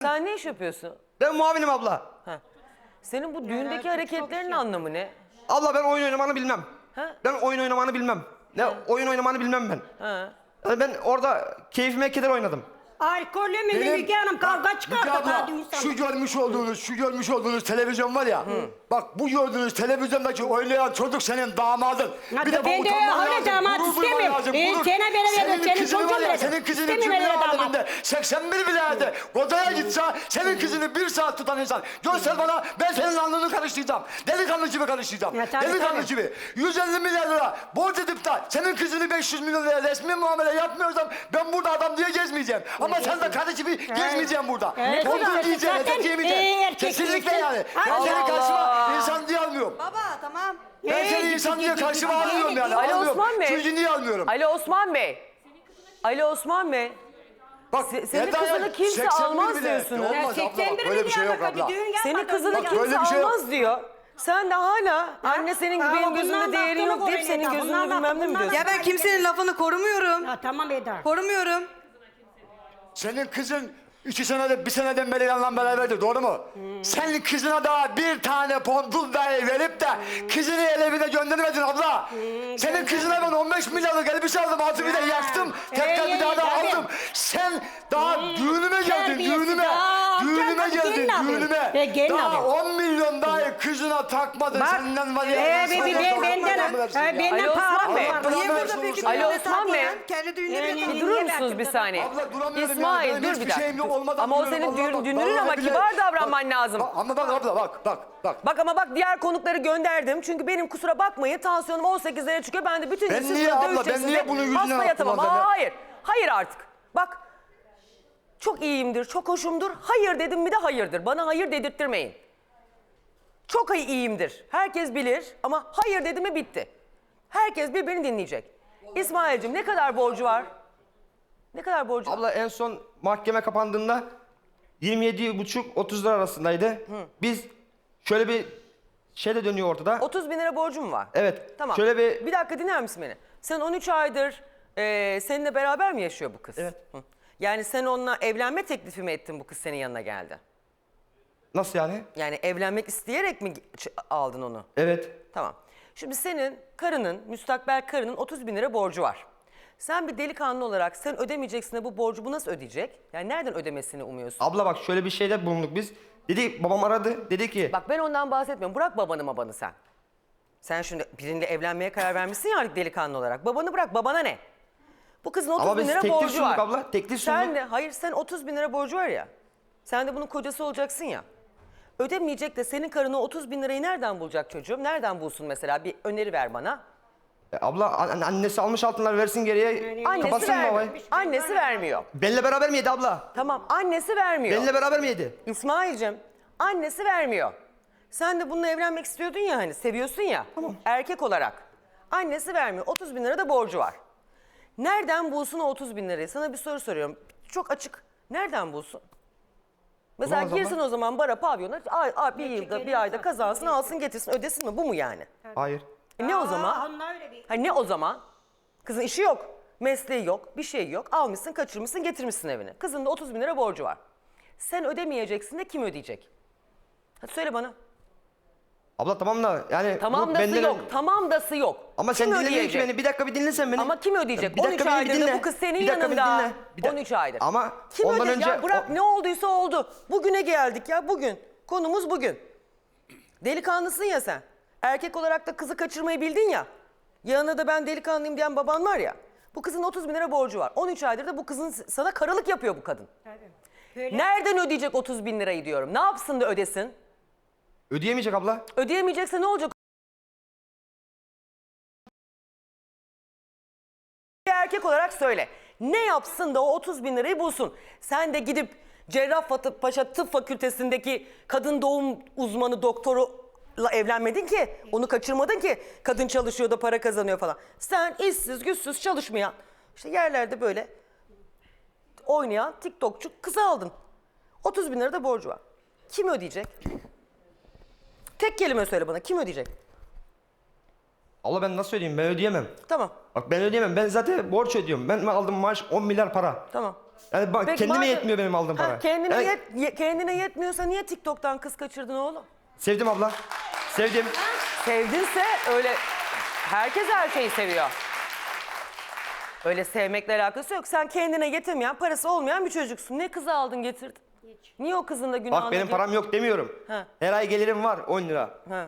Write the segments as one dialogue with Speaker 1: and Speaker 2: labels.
Speaker 1: Sen ne iş yapıyorsun?
Speaker 2: Ben muavinim abla.
Speaker 1: Ha. Senin bu düğündeki hareketlerin anlamı ne?
Speaker 2: Abla ben oyun oynamanı bilmem.
Speaker 1: Ha?
Speaker 2: Ben oyun oynamanı bilmem. Ne oyun oynamanı bilmem ben.
Speaker 1: Ha.
Speaker 2: Yani ben orada keyfime keder oynadım.
Speaker 3: Alkollü mü Müge Hanım kavga çıkardı
Speaker 4: abla,
Speaker 3: daha insan.
Speaker 4: şu görmüş olduğunuz televizyon var ya. Bak bu gördüğünüz televizyondaki oynayan çocuk senin damadın.
Speaker 3: Ya
Speaker 4: Bir de
Speaker 3: ben
Speaker 4: bu
Speaker 3: de
Speaker 4: utanman
Speaker 3: öyle
Speaker 4: lazım,
Speaker 3: damat
Speaker 4: gurur duyman
Speaker 3: istemiyorum.
Speaker 4: lazım, gurur.
Speaker 3: Sana veremedim, senin
Speaker 4: kızını
Speaker 3: çocuğun
Speaker 4: var ya,
Speaker 3: veremedim.
Speaker 4: senin kızını
Speaker 3: İstemiyorum
Speaker 4: cümle
Speaker 3: öyle damat.
Speaker 4: aleminde 81 bileğinde odaya gitse senin kızını bir saat tutan insan. Göster bana, ben senin alnını karıştıracağım. Delikanlı gibi karıştıracağım.
Speaker 3: Ya tabii,
Speaker 4: Delikanlı
Speaker 3: tabii.
Speaker 4: gibi. 150 milyar lira borç edip de senin kızını 500 milyon liraya resmi muamele yapmıyorsam ben burada adam diye gezmeyeceğim. Ama sen de karı gibi gezmeyeceğim burada.
Speaker 3: Evet.
Speaker 4: Tondur
Speaker 3: Zaten
Speaker 4: diyeceğim, etek yemeyeceğim.
Speaker 3: erkek
Speaker 4: Kesinlikle
Speaker 3: değilsin.
Speaker 4: yani. Ben
Speaker 3: Allah
Speaker 4: seni karşıma insan diye almıyorum.
Speaker 5: Baba tamam.
Speaker 4: Ben seni insan diye karşıma almıyorum yani.
Speaker 1: Ali
Speaker 4: Almıyorum.
Speaker 1: Osman Bey.
Speaker 4: Çünkü niye almıyorum?
Speaker 1: Ali Osman Bey. Ali Osman Bey.
Speaker 4: Bak,
Speaker 1: senin
Speaker 4: Eda
Speaker 1: kızını
Speaker 4: ya,
Speaker 1: kimse
Speaker 4: 81
Speaker 1: almaz
Speaker 4: bile.
Speaker 1: diyorsunuz.
Speaker 4: Olmaz abla,
Speaker 3: 81
Speaker 4: bak, böyle bir şey yok
Speaker 3: milyar
Speaker 4: abla.
Speaker 3: bir düğün
Speaker 1: Senin
Speaker 3: yapmadım.
Speaker 1: kızını
Speaker 4: Bak,
Speaker 1: kimse
Speaker 4: böyle bir şey yok.
Speaker 1: almaz diyor. Sen de hala anne senin gibi
Speaker 3: Ha,
Speaker 1: benim
Speaker 3: bundan
Speaker 1: gözümde değerin
Speaker 3: baktığını
Speaker 1: yok deyip
Speaker 3: koyun
Speaker 1: senin
Speaker 3: Eda,
Speaker 1: gözünde
Speaker 3: bundan
Speaker 1: bilmem ne mi
Speaker 3: baktığını
Speaker 1: diyorsun?
Speaker 5: Ya ben kimsenin lafını korumuyorum.
Speaker 3: Ya tamam Eda.
Speaker 5: Korumuyorum.
Speaker 4: Senin kızın 2 senede, 1 seneden beri yanından beraberdi, doğru mu? Senin kızına daha bir tane pondul dahi verip de kızını evine göndermedin abla. Senin kızına ben 15 milyarlık elbise aldım, altı bir de yaktım. Tekrar bir daha da
Speaker 3: tabii.
Speaker 4: aldım. Sen daha düğünüme geldin,
Speaker 3: terbiyesiz.
Speaker 4: düğünüme.
Speaker 3: Aa,
Speaker 4: Düğünüme
Speaker 3: gelin
Speaker 4: geldin,
Speaker 3: abi.
Speaker 4: düğünüme.
Speaker 3: Gelin
Speaker 4: Daha
Speaker 3: abi.
Speaker 4: 10 milyon dahi kızına takmadın.
Speaker 3: Bak,
Speaker 4: Senden var ya.
Speaker 3: benden
Speaker 1: Ali Osman Bey.
Speaker 4: Allah
Speaker 5: Niye
Speaker 4: belanı
Speaker 5: burada peki
Speaker 4: versin
Speaker 1: Ali
Speaker 5: düğünde
Speaker 1: Osman Bey.
Speaker 5: takmayan? Kendi düğünde
Speaker 3: Yani
Speaker 5: bir
Speaker 1: Bir durur musunuz bir saniye?
Speaker 4: Abla duramıyorum
Speaker 1: İsmail
Speaker 4: yani.
Speaker 1: dur
Speaker 4: Hiçbir
Speaker 1: bir
Speaker 4: şeyim yok,
Speaker 1: dakika.
Speaker 4: olmadan
Speaker 1: Ama o
Speaker 4: duruyorum.
Speaker 1: senin
Speaker 4: Allah bak,
Speaker 1: dünürün ama
Speaker 4: vallahi billahi.
Speaker 1: kibar davranman lazım.
Speaker 4: Ama bak abla bak.
Speaker 1: Bak diğer konukları gönderdim. Çünkü benim kusura bakmayın tansiyonum 18'lere çıkıyor. Ben de bütün gün
Speaker 4: Ben
Speaker 1: siz
Speaker 4: niye
Speaker 1: burada
Speaker 4: abla, ben
Speaker 1: dövüşeceksiniz
Speaker 4: niye
Speaker 1: de
Speaker 4: bunun yüzüne
Speaker 1: hasta yatamam.
Speaker 4: kullanacağım ya?
Speaker 1: Hayır. Hayır artık. Bak çok iyiyimdir, çok hoşumdur. Hayır dedim mi de hayırdır. Bana hayır dedirttirmeyin. Çok iyiyimdir. Herkes bilir ama hayır dedim mi bitti. Herkes birbirini dinleyecek. İsmail'cim ne kadar borcu var? Ne kadar borcu var?
Speaker 2: Abla en son mahkeme kapandığında 27,5-30 lira arasındaydı. Biz şöyle bir şey de dönüyor ortada.
Speaker 1: 30 bin lira borcum var.
Speaker 2: Evet.
Speaker 1: Tamam.
Speaker 2: Şöyle bir
Speaker 1: dakika dinler misin beni? Sen 13 aydır seninle beraber mi yaşıyor bu kız?
Speaker 2: Evet.
Speaker 1: Hı. Yani sen onunla evlenme teklifi mi ettin bu kız senin yanına geldi?
Speaker 2: nasıl yani?
Speaker 1: Yani evlenmek isteyerek mi aldın onu?
Speaker 2: Evet.
Speaker 1: Tamam. Şimdi senin karının, müstakbel karının 30 bin lira borcu var. Sen bir delikanlı olarak sen ödemeyeceksin de bu borcu bu nasıl ödeyecek? Yani nereden ödemesini umuyorsun?
Speaker 2: Abla bak şöyle bir şeyde bulunduk biz. Dedi babam aradı. Dedi ki
Speaker 1: Bak ben ondan bahsetmiyorum. Bırak babanı sen. Sen şimdi biriyle evlenmeye karar vermişsin ya artık delikanlı olarak. Babanı bırak. Babana ne? Bu kızın 30
Speaker 2: Ama
Speaker 1: bin
Speaker 2: biz
Speaker 1: lira
Speaker 2: teklif
Speaker 1: borcu
Speaker 2: sunduk
Speaker 1: var.
Speaker 2: abla, teklif
Speaker 1: Sen
Speaker 2: sunduk.
Speaker 1: de, hayır sen 30 bin lira borcu var ya. Sen de bunun kocası olacaksın ya. Ödemeyecek de senin karına 30 bin lirayı nereden bulacak çocuğum? Nereden bulsun mesela? Bir öneri ver bana.
Speaker 2: abla annesi almış altınlar versin geriye.
Speaker 1: Annesi
Speaker 2: Kapatsın
Speaker 1: vermiyor.
Speaker 2: babayı.
Speaker 1: Annesi vermiyor.
Speaker 2: Benimle beraber mi yedi abla?
Speaker 1: Tamam annesi vermiyor.
Speaker 2: Benimle beraber mi yedi?
Speaker 1: İsmail'cim annesi vermiyor. Sen de bununla evlenmek istiyordun ya hani seviyorsun ya erkek olarak. Annesi vermiyor 30 bin lira da borcu var. Nereden bulsun o 30 bin lirayı? Sana bir soru soruyorum. Çok açık. Nereden bulsun? Mesela
Speaker 2: Bulamaz
Speaker 1: girsin
Speaker 2: abla.
Speaker 1: o zaman bara pavyona bir yılda bir ayda kazansın alsın getirsin ödesin mi bu mu yani?
Speaker 2: Hayır.
Speaker 1: Ne o zaman?
Speaker 3: Onlar öyle bir.
Speaker 1: Ha ne o zaman? Kızın işi yok, mesleği yok, bir şey yok. Almışsın, kaçırmışsın, getirmişsin evine. Kızın da 30 bin lira borcu var. Sen ödemeyeceksin de kim ödeyecek? Hadi söyle bana.
Speaker 2: Abla tamam da yani. bu
Speaker 1: Tamam dası
Speaker 2: benden-
Speaker 1: yok, tamam dası yok.
Speaker 2: Ama sen
Speaker 1: Kim
Speaker 2: dinlemiyorsun ki
Speaker 1: ödeyecek?
Speaker 2: beni. Bir dakika bir dinlesen beni.
Speaker 1: Ama kim ödeyecek?
Speaker 2: Bir dakika
Speaker 1: 13
Speaker 2: beni bir
Speaker 1: aydır da
Speaker 2: dinle.
Speaker 1: bu kız senin
Speaker 2: Bir dakika beni
Speaker 1: yanında.
Speaker 2: dinle. Bir dakika.
Speaker 1: 13 aydır.
Speaker 2: Ama
Speaker 1: Kim
Speaker 2: ondan
Speaker 1: ödeyecek?
Speaker 2: önce...
Speaker 1: Ya bırak ne olduysa oldu. Bugüne geldik ya bugün. Konumuz bugün. Delikanlısın ya sen. Erkek olarak da kızı kaçırmayı bildin ya. Yanına da ben delikanlıyım diyen baban var ya. Bu kızın 30 bin lira borcu var. 13 aydır da bu kızın sana karılık yapıyor bu kadın.
Speaker 3: Böyle-
Speaker 1: Nereden ödeyecek 30 bin lirayı diyorum. Ne yapsın da ödesin?
Speaker 2: Ödeyemeyecek abla.
Speaker 1: Ödeyemeyecekse ne olacak? Bir erkek olarak söyle. Ne yapsın da o 30 bin lirayı bulsun? Sen de gidip Cerrahpaşa Tıp Fakültesindeki kadın doğum uzmanı doktoruyla evlenmedin ki. Onu kaçırmadın ki. Kadın çalışıyor da para kazanıyor falan. Sen işsiz güçsüz çalışmayan işte yerlerde böyle oynayan TikTokçu kızı aldın. 30 bin lira da borcu var. Kim ödeyecek? Tek kelime söyle bana. Kim ödeyecek?
Speaker 2: Abla ben nasıl ödeyeyim? Ben ödeyemem.
Speaker 1: Tamam.
Speaker 2: Bak ben ödeyemem. Ben zaten borç ödüyorum. Ben aldım maaş 10 milyar para.
Speaker 1: Tamam.
Speaker 2: Yani
Speaker 1: Peki
Speaker 2: kendime
Speaker 1: madem-
Speaker 2: yetmiyor benim aldığım
Speaker 1: Ha,
Speaker 2: para.
Speaker 1: kendine,
Speaker 2: Yani
Speaker 1: kendine yetmiyorsa niye TikTok'tan kız kaçırdın oğlum?
Speaker 2: sevdim abla. Sevdim.
Speaker 1: Sevdinse öyle herkes her şeyi seviyor. Öyle sevmekle alakası yok. Sen kendine yetemeyen, parası olmayan bir çocuksun. Ne kızı aldın getirdin? Niye o kızın da günahına
Speaker 2: Bak benim
Speaker 1: gir-
Speaker 2: param yok demiyorum.
Speaker 1: Ha.
Speaker 2: Her ay gelirim var 10 lira.
Speaker 1: Ha.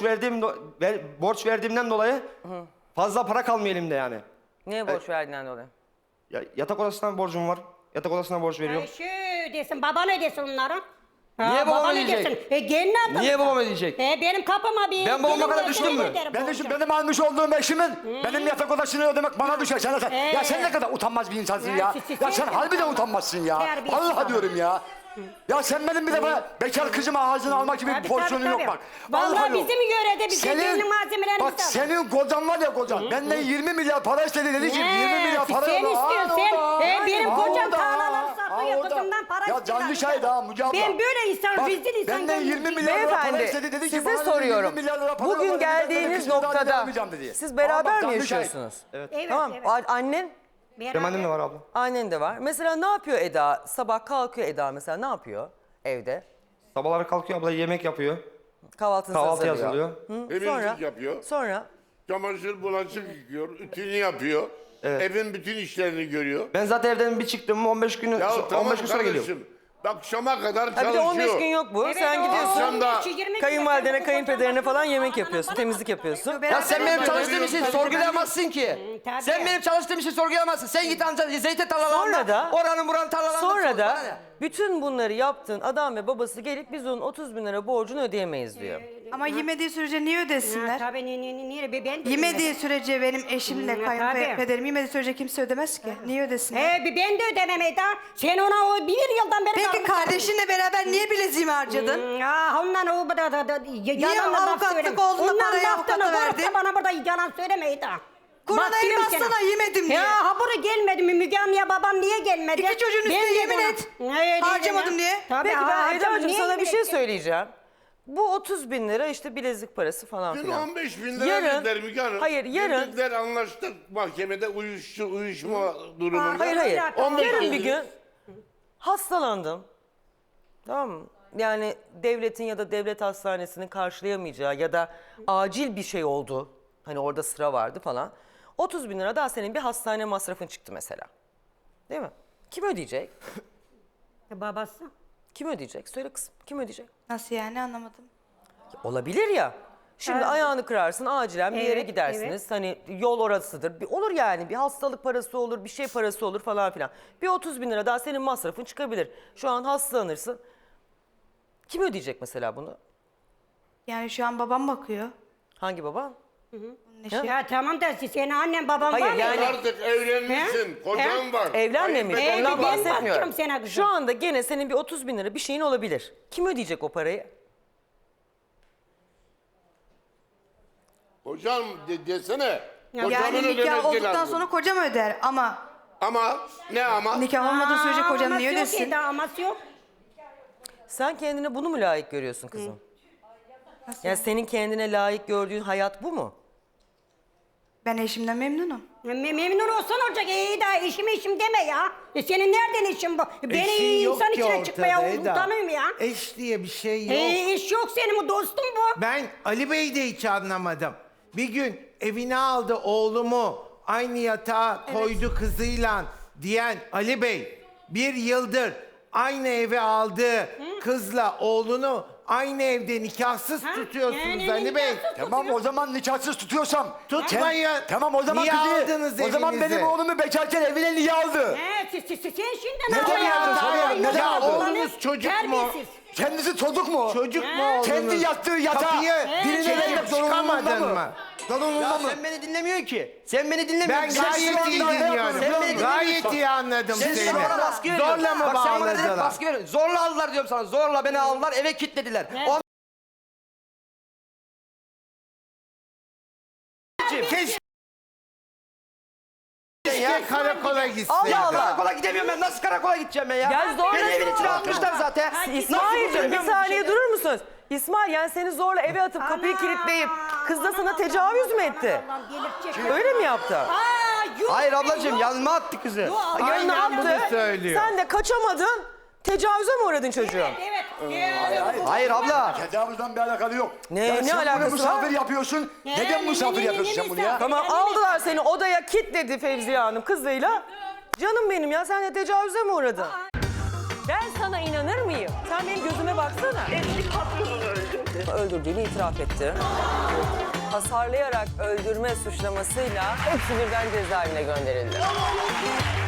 Speaker 2: Borç verdiğimden dolayı fazla para kalmıyor elimde yani.
Speaker 1: Niye borç verdiğinden dolayı?
Speaker 2: Yatak odasından borcum var. Yatak odasına borç veriyorum.
Speaker 3: Şu desin, baba ne desin onlara?
Speaker 2: Niye babam
Speaker 3: baba ne
Speaker 2: ödeyecek?
Speaker 3: desin? Gelin abla.
Speaker 2: Niye babam ödeyecek?
Speaker 3: Benim kapıma bir...
Speaker 2: Ben babama kadar düştüm mü?
Speaker 4: Benim almış olduğum eşimin benim yatak odasını ödemek bana düşer. Ya sen ne kadar utanmaz bir insansın ya. Ya sen harbiden utanmazsın ya.
Speaker 3: Terbiyesiz
Speaker 4: Allah
Speaker 3: adam.
Speaker 4: diyorum ya. Ya sen benim bir defa bekar kızımı ağzına almak gibi bir pozisyonun yok bak.
Speaker 3: Vallahi bizim yörede bizim
Speaker 4: Senin,
Speaker 3: gelin malzemelerimiz
Speaker 4: bak senin kocan var ya kocan. Benden 20 milyar para istedi dedi ki 20 milyar para
Speaker 3: sen
Speaker 4: yok.
Speaker 3: istiyorsun sen. Benim kocam tarlaları satıyor
Speaker 4: orada.
Speaker 3: kızımdan para
Speaker 4: Ya
Speaker 3: istiyor.
Speaker 4: canlı şahit ha Müge abla.
Speaker 3: Ben böyle insan,
Speaker 4: Bak,
Speaker 3: rezil insan
Speaker 4: benden 20
Speaker 3: görmedim.
Speaker 4: milyar lira para
Speaker 1: Beyefendi
Speaker 4: istedi dedi ki
Speaker 1: size
Speaker 4: bana dedi,
Speaker 1: soruyorum.
Speaker 4: 20 milyar lira para ver,
Speaker 1: Bugün
Speaker 4: ben de
Speaker 1: geldiğiniz
Speaker 4: kızımdan
Speaker 1: noktada
Speaker 4: vermeyeceğim dedi.
Speaker 1: siz beraber
Speaker 4: Ama
Speaker 1: mi
Speaker 4: bak, canlı şahit.
Speaker 1: yaşıyorsunuz?
Speaker 3: Evet,
Speaker 1: Tamam.
Speaker 3: evet.
Speaker 1: Annen?
Speaker 2: Benim annem de var abla.
Speaker 1: Annen de var. Mesela ne yapıyor Eda? Sabah kalkıyor Eda mesela ne yapıyor evde?
Speaker 2: Sabahları kalkıyor abla yemek yapıyor.
Speaker 1: Kahvaltısını
Speaker 2: Kahvaltı
Speaker 1: hazırlıyor.
Speaker 2: hazırlıyor.
Speaker 1: Sonra?
Speaker 6: Yapıyor.
Speaker 1: Sonra?
Speaker 6: Çamaşır, bulaşık yıkıyor, ütünü yapıyor. Evin bütün işlerini görüyor.
Speaker 2: Ben zaten evden bir çıktım 15 gün
Speaker 6: Ya
Speaker 2: 15
Speaker 6: tamam
Speaker 2: gün sonra geliyorum.
Speaker 6: kardeşim. Akşama kadar
Speaker 1: Ha bir de 15
Speaker 6: çalışıyor.
Speaker 1: gün yok bu.
Speaker 3: Evet,
Speaker 1: Sen
Speaker 3: o
Speaker 1: gidiyorsun.
Speaker 3: 15, 20 gün
Speaker 1: Kayınvalidene,
Speaker 3: yaşadı,
Speaker 1: kayınpederine
Speaker 3: kocam
Speaker 1: falan
Speaker 3: başına
Speaker 1: yemek
Speaker 3: bana
Speaker 1: yapıyorsun,
Speaker 3: bana
Speaker 1: temizlik
Speaker 3: bana
Speaker 1: yapıyorsun.
Speaker 5: Ya
Speaker 2: Sen benim çalıştığım işi sorgulayamazsın ki.
Speaker 3: tabii.
Speaker 2: Sen benim çalıştığım işi sorgulayamazsın. Sen git ancak zeytin
Speaker 1: Sonra da-
Speaker 2: tarlalarında, oranın buranın tarlalarında.
Speaker 1: Sonra
Speaker 2: sor,
Speaker 1: da
Speaker 2: bana ne?
Speaker 1: bütün bunları yaptığın adam ve babası gelip biz onun 30 bin lira borcunu ödeyemeyiz diyor.
Speaker 5: Ama yemediği sürece niye ödesinler?
Speaker 3: Tabii niye ben de
Speaker 5: Yemediği sürece benim eşimle
Speaker 3: tabii.
Speaker 5: kayınpederim yemediği sürece kimse ödemez ki. Niye ödesinler?
Speaker 3: Ben de ödemem Eda. Sen ona o bir yıldan beri...
Speaker 5: Peki kardeşinle beraber niye bileziğimi harcadın?
Speaker 3: Ya ondan o da yalanla laf
Speaker 5: avukatlık
Speaker 3: söyleme.
Speaker 5: oldu da
Speaker 3: Ondan
Speaker 5: parayı
Speaker 3: laftan
Speaker 5: avukata
Speaker 3: olarak da
Speaker 5: verdin?
Speaker 3: bana burada yalan söyleme Eda.
Speaker 5: Kur'an'a
Speaker 3: Bak
Speaker 5: el
Speaker 3: diyorum
Speaker 5: bassana,
Speaker 3: sana.
Speaker 5: yemedim diye.
Speaker 3: Ya ha buraya gelmedi mi Müge Hanım'ya babam niye gelmedi?
Speaker 5: İki çocuğun üstüne
Speaker 3: Ben de
Speaker 5: yemin
Speaker 3: buna-
Speaker 5: et.
Speaker 3: Evet,
Speaker 5: Harcamadım
Speaker 3: evet.
Speaker 5: diye.
Speaker 3: Tabii
Speaker 1: Peki ben
Speaker 3: harcamadım.
Speaker 1: Eda'cığım
Speaker 3: Niye
Speaker 1: sana
Speaker 3: yemin
Speaker 1: bir şey
Speaker 3: edecek?
Speaker 1: söyleyeceğim. Bu 30 bin lira işte bilezik parası falan
Speaker 6: Dün
Speaker 1: filan.
Speaker 6: 15 bin lira
Speaker 1: Yarın-
Speaker 6: verdiler Müge Hanım.
Speaker 1: hayır, yarın-
Speaker 6: Dediler anlaştık mahkemede uyuşma durumunda.
Speaker 1: Hayır hayır.
Speaker 3: Ya, tamam.
Speaker 1: Yarın
Speaker 6: bin
Speaker 1: bir
Speaker 6: lira.
Speaker 1: gün hastalandım. Tamam mı? Yani devletin ya da devlet hastanesinin karşılayamayacağı ya da acil bir şey oldu. Hani orada sıra vardı falan. 30 bin lira daha senin bir hastane masrafın çıktı mesela. Değil mi? Kim ödeyecek?
Speaker 3: Babası.
Speaker 1: Kim ödeyecek? Söyle kızım. Kim ödeyecek?
Speaker 5: Nasıl yani, anlamadım.
Speaker 1: Olabilir ya. Şimdi ayağını kırarsın, acilen bir yere
Speaker 3: Evet,
Speaker 1: gidersiniz. Hani yol orasıdır. Olur yani, bir hastalık parası olur, bir şey parası olur falan filan. Bir 30 bin lira daha senin masrafın çıkabilir. Şu an hastalanırsın. Kim ödeyecek mesela bunu?
Speaker 5: Yani şu an babam bakıyor.
Speaker 1: Hangi baba?
Speaker 3: Ya tamam da senin annen baban
Speaker 1: Hayır,
Speaker 3: var mı?
Speaker 1: yani-
Speaker 6: Artık evlenmişsin, kocan var.
Speaker 1: Evlenmemiş,
Speaker 6: Hayır,
Speaker 1: ondan
Speaker 3: ben
Speaker 1: bahsetmiyorum.
Speaker 3: bakıyorum sana kızım.
Speaker 1: Şu anda gene senin bir 30 bin lira bir şeyin olabilir. Kim ödeyecek o parayı?
Speaker 6: Kocam desene.
Speaker 5: Yani
Speaker 6: Kocamın
Speaker 5: nikah
Speaker 6: ödemesi
Speaker 5: olduktan
Speaker 6: lazım.
Speaker 5: sonra kocam öder ama
Speaker 6: Ama ne ama?
Speaker 5: nikah olmadığı sürece kocam
Speaker 3: Aması
Speaker 5: niye
Speaker 3: yok
Speaker 5: ödesin?
Speaker 3: Eda, aması yok.
Speaker 1: Sen kendine bunu mu layık görüyorsun kızım? Yani senin kendine layık gördüğün hayat bu mu?
Speaker 5: Ben eşimden memnunum.
Speaker 3: Memnun olsan olacak. Eda işim deme ya. Senin nereden işin bu? Beni
Speaker 7: Eşin yok
Speaker 3: insan
Speaker 7: ki
Speaker 3: içine
Speaker 7: ortada
Speaker 3: çıkmaya
Speaker 7: Eda.
Speaker 3: utanıyorum ya.
Speaker 7: Eş diye bir şey yok.
Speaker 3: İş yok senin, bu dostum bu.
Speaker 7: Ben Ali Bey'i de hiç anlamadım. Bir gün evine aldı oğlumu, aynı yatağa koydu kızıyla diyen Ali Bey, bir yıldır aynı eve aldığı kızla oğlunu aynı evde nikahsız tutuyorsunuz
Speaker 3: yani
Speaker 7: Ali Bey.
Speaker 3: nikahsız
Speaker 4: Tamam o zaman nikahsız tutuyorsam.
Speaker 7: Tutmayın.
Speaker 4: Tamam o zaman
Speaker 7: Niye
Speaker 4: kızı.
Speaker 7: aldınız
Speaker 4: O zaman
Speaker 7: evinize?
Speaker 4: benim oğlumu bekarken evine niye aldı?
Speaker 3: Sen şimdi
Speaker 4: Neden aldın? Soruyorum, neden
Speaker 7: Ya
Speaker 4: aldın?
Speaker 7: oğlunuz çocuk mu?
Speaker 3: Terbiyesiz.
Speaker 4: Kendisi çocuk mu?
Speaker 7: Çocuk mu oğlunuz?
Speaker 4: Kendi yattığı yatağa
Speaker 7: Kapıyı
Speaker 4: birine
Speaker 7: çekip
Speaker 4: vermek zorunluluğunda
Speaker 7: çıkamadın
Speaker 4: mı?
Speaker 7: mı?
Speaker 4: Zorunlulunda
Speaker 2: Ya
Speaker 4: mı?
Speaker 2: sen beni dinlemiyorsun ki. Sen beni dinlemiyorsun.
Speaker 7: Ben
Speaker 2: Sen şu
Speaker 7: gayet iyi
Speaker 2: anda-
Speaker 7: dinliyorum.
Speaker 2: Sen beni
Speaker 7: Gayet
Speaker 2: dinlemiyorsun.
Speaker 7: iyi anladım
Speaker 2: Sen
Speaker 7: seni.
Speaker 2: bana baskı veriyorsun.
Speaker 7: Zorla mı
Speaker 2: Bak sen bana dedin
Speaker 7: bağladılar?
Speaker 2: baskı veriyorsun. Zorla aldılar diyorum sana. Zorla beni aldılar, eve kilitlediler.
Speaker 7: Keşke karakola gitsin.
Speaker 2: Allah Allah. Karakola gidemiyorum ben. Nasıl karakola gideceğim ben ya?
Speaker 1: Ya zorla
Speaker 2: Beni evin
Speaker 1: zorla.
Speaker 2: içine atmışlar zaten.
Speaker 1: İsmail'cim bir
Speaker 2: Nasıl
Speaker 1: saniye durur musunuz? İsmail yani seni zorla eve atıp kapıyı kilitleyip kız da sana tecavüz mü etti?
Speaker 3: Allah'ım delirtecek.
Speaker 1: Öyle mi yaptı?
Speaker 3: Aa yuh
Speaker 2: Hayır
Speaker 3: be,
Speaker 2: ablacığım
Speaker 3: yuh.
Speaker 2: yanıma attı kızı.
Speaker 1: Ya ne
Speaker 7: Aynen bunu
Speaker 1: yaptı?
Speaker 7: söylüyor.
Speaker 1: Sen de kaçamadın. Tecavüze mi uğradın çocuğum?
Speaker 3: Evet.
Speaker 2: Hayır abla.
Speaker 4: Tecavüzden bir alakalı yok.
Speaker 1: Ne-
Speaker 4: Ya
Speaker 1: ne
Speaker 4: sen
Speaker 1: alakası
Speaker 4: bunu misafir
Speaker 1: var?
Speaker 4: yapıyorsun. Neden misafir yapıyorsun sen bunu ya?
Speaker 1: Tamam aldılar seni odaya kilitledi Fevziye Hanım kızıyla. Canım benim ya sen de tecavüze mi uğradın? Ben sana inanır mıyım? Sen benim gözüme baksana. Eski patronunu öldürdü. Öldürdüğünü itiraf etti. Hasarlayarak öldürme suçlamasıyla hepsi birden cezaevine gönderildi.